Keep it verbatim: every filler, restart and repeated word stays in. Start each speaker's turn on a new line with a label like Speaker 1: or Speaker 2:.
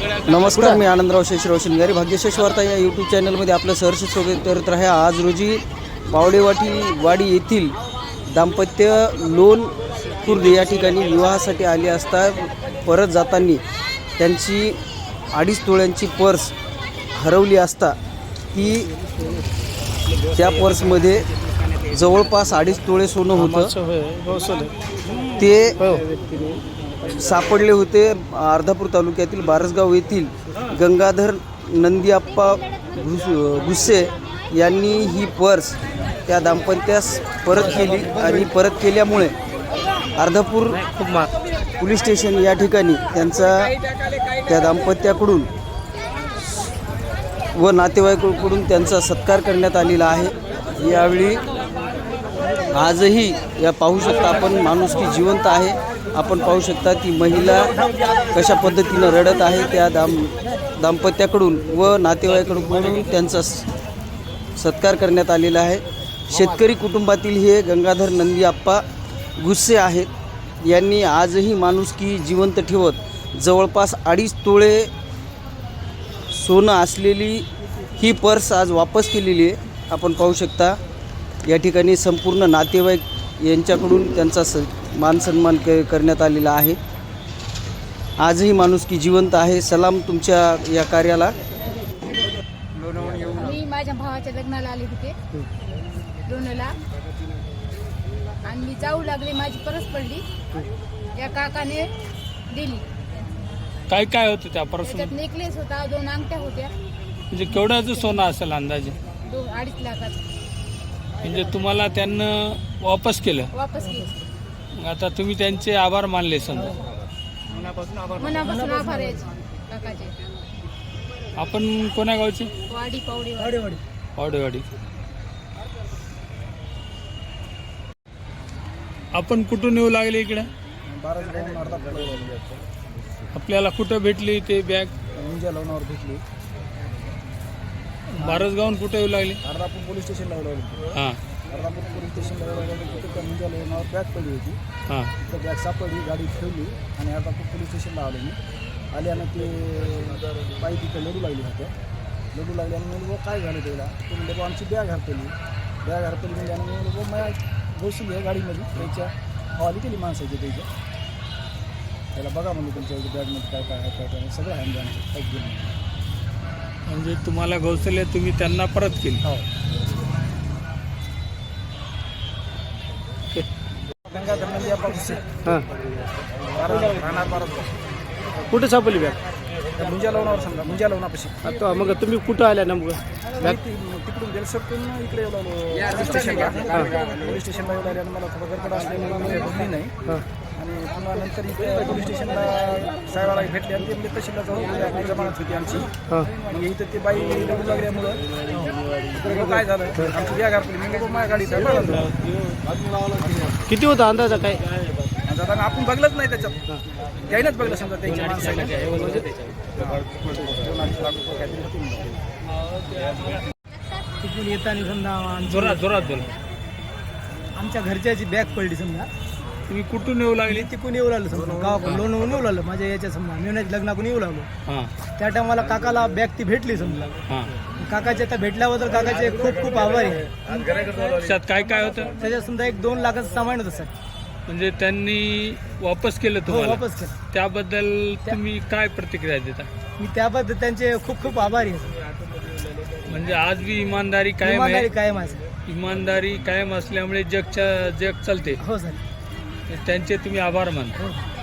Speaker 1: नमस्कार, मी आनंदराव शेषराव शिंगारी. भाग्यशेष वार्ता या यूट्यूब चॅनलमध्ये आपलं सहर्ष स्वागत करत आहे. आज रोजी पावडेवाटी वाडी येथील दाम्पत्य लोण खुर्द या ठिकाणी विवाहासाठी आले असता परत जाताना त्यांची अडीच तोळ्यांची पर्स हरवली असता ती त्या पर्समध्ये जवळपास अडीच तोळे सोनं होतं. ते सापडले होते अर्धापूर तालुक्यातील बारसगाव येथील गंगाधर नंदीआप्पा गुस्से यांनी ही पर्स त्या दाम्पत्यास परत केली आणि परत केल्यामुळे अर्धापूर पोलीस स्टेशन या ठिकाणी त्यांचा त्या दाम्पत्याकडून व नातेवाईकांकडून त्यांचा सत्कार करण्यात आलेला आहे. यावेळी आजही या पाहू शकता आपण माणुसकी जिवंत आहे. आपण पाहू शकता ती महिला कशा पद्धतीनं रडत आहे. त्या दाम दाम्पत्याकडून व नातेवाईकांकडून त्यांचा सत्कार करण्यात आलेला आहे. शेतकरी कुटुंबातील हे गंगाधर नंदीआप्पा गुस्से आहेत. यांनी आजही माणुसकी जिवंत ठेवत जवळपास अडीच तोळे सोनं असलेली ही पर्स आज वापस केलेली आहे. आपण पाहू शकता या ठिकाणी संपूर्ण नातेवाईक यांच्याकडून त्यांचा स मान सन्मान क करण्यात आलेला आहे. आजही माणुसकी जिवंत आहे. सलाम तुमच्या या कार्याला.
Speaker 2: मी माझ्या भावाच्या लग्नाला आले होते लोणला आणि मी जाऊ लागले, माझी परस पडली. या काकाने दिली.
Speaker 3: काय काय होतं त्या पर्स?
Speaker 2: त्याच्यात नेकलेस होता, दोन अंगठ्या होत्या.
Speaker 3: म्हणजे केवढ्याचं सोनं असेल अंदाजे?
Speaker 2: दोन अडीच लाखाचं.
Speaker 3: म्हणजे तुम्हाला त्यांना वापस केलं?
Speaker 2: वापस केली.
Speaker 3: आता तुम्ही त्यांचे आभार मानले समजा?
Speaker 2: मनापासून आभार आहे काकाचे.
Speaker 3: आपण कोण्या गावचे?
Speaker 2: वाडी पावडेवाडी.
Speaker 3: पावडेवाडी. आपण कुठून येऊ लागले इकडे? आपल्याला कुठं भेटली ते बॅग?
Speaker 1: मुंजा लोणावर भेटली.
Speaker 3: बारसगावून कुठं येऊ लागले?
Speaker 1: अर्धापूर पोलीस स्टेशनला लागली.
Speaker 3: हां.
Speaker 1: अर्धापूर पोलीस स्टेशनला लागली. तिथं मुंजा लोणावर बॅग पडली होती.
Speaker 3: हां.
Speaker 1: तिथं बॅग सापडली, गाडी ठेवली आणि अर्धापूर पोलीस स्टेशनला आलो मी. आल्यानं ते बाई तिथं लढू लागली होत्या. लढू लागल्यानं मी बघ काय झालं त्याला. ते म्हणजे आमची बॅग हरपली. बॅग हरपली म्हणजे मी बघ माझ्या बसली आहे गाडीमध्ये. त्याच्या हवाली केली माणसाची त्याच्या. त्याला बघा म्हणजे तुमच्या बॅगमध्ये काय काय काय काय सगळं आहे म्हणजे आमचं काही घेऊन.
Speaker 3: म्हणजे तुम्हाला गौसले तुम्ही त्यांना परत केली?
Speaker 1: हो. गंगाधर नंदीआप्पा गुस्से.
Speaker 3: हां.
Speaker 1: राहणार बारसगाव.
Speaker 3: कुठे सापडली बॅग?
Speaker 1: मुंजा लोणावर समजा, मुंजा लोणापाशी.
Speaker 3: आता मग तुम्ही कुठं आल्या नेमकं?
Speaker 1: बॅग तिकडून बेलसरतून इकडे येऊ लागलो पोलीस स्टेशनला. पोलीस स्टेशनला येऊ लागल्यानं मला थोडं गडबड असल्यामुळे मी बोलली नाही. आणि पुन्हा नंतर इथे पोलीस स्टेशनला साहेबाला भेटले आणि ते तहसीलला जाऊन आपली जमानत होती आमची. मग इथं ते बाई लढू लागल्यामुळं इकडे काय झालं, आमची बॅग हरपली. मी बघ माझ्या गाडीचा
Speaker 3: किती होता अंदाजा काय?
Speaker 1: आता आपण बघलंच नाही त्याच्यात. त्याईनंच बघलं समजा त्यांच्या माणसाला.
Speaker 4: तिकडून येताना समजा
Speaker 3: जोरात जोरात बोला.
Speaker 4: आमच्या घरच्याची बॅग पडली समजा.
Speaker 3: तुम्ही कुठून येऊ लागले?
Speaker 4: तिकडून येऊ लागलो समजा, गावाकडून लोणवून येऊ लागलो. माझ्या याच्या समजा मेवण्याच्या लग्नाकडून येऊ लागलो.
Speaker 3: हां.
Speaker 4: त्या टायमाला काकाला बॅग ती भेटली समजा.
Speaker 3: हां.
Speaker 4: काकाच्या त्या भेटल्याबद्दल काकाचे खूप खूप आभारी आहे.
Speaker 3: त्याच्यात काय काय होतं?
Speaker 4: त्याच्यात समजा एक दोन लाखाचं सामान होतं सर.
Speaker 3: म्हणजे त्यांनी वापस केलं
Speaker 4: हो,
Speaker 3: तुम्हाला?
Speaker 4: वापस केलं.
Speaker 3: त्याबद्दल तुम्ही काय प्रतिक्रिया देता?
Speaker 4: मी त्याबद्दल त्यांचे खूप खूप आभारी आहे.
Speaker 3: म्हणजे आज बी इमानदारी कायम
Speaker 4: इमानदारी
Speaker 3: आहे.
Speaker 4: कायम आहे सर.
Speaker 3: इमानदारी कायम असल्यामुळे जगच्या जग चालते.
Speaker 4: हो सर.
Speaker 3: त्यांचे तुम्ही आभार मानता.
Speaker 4: हो.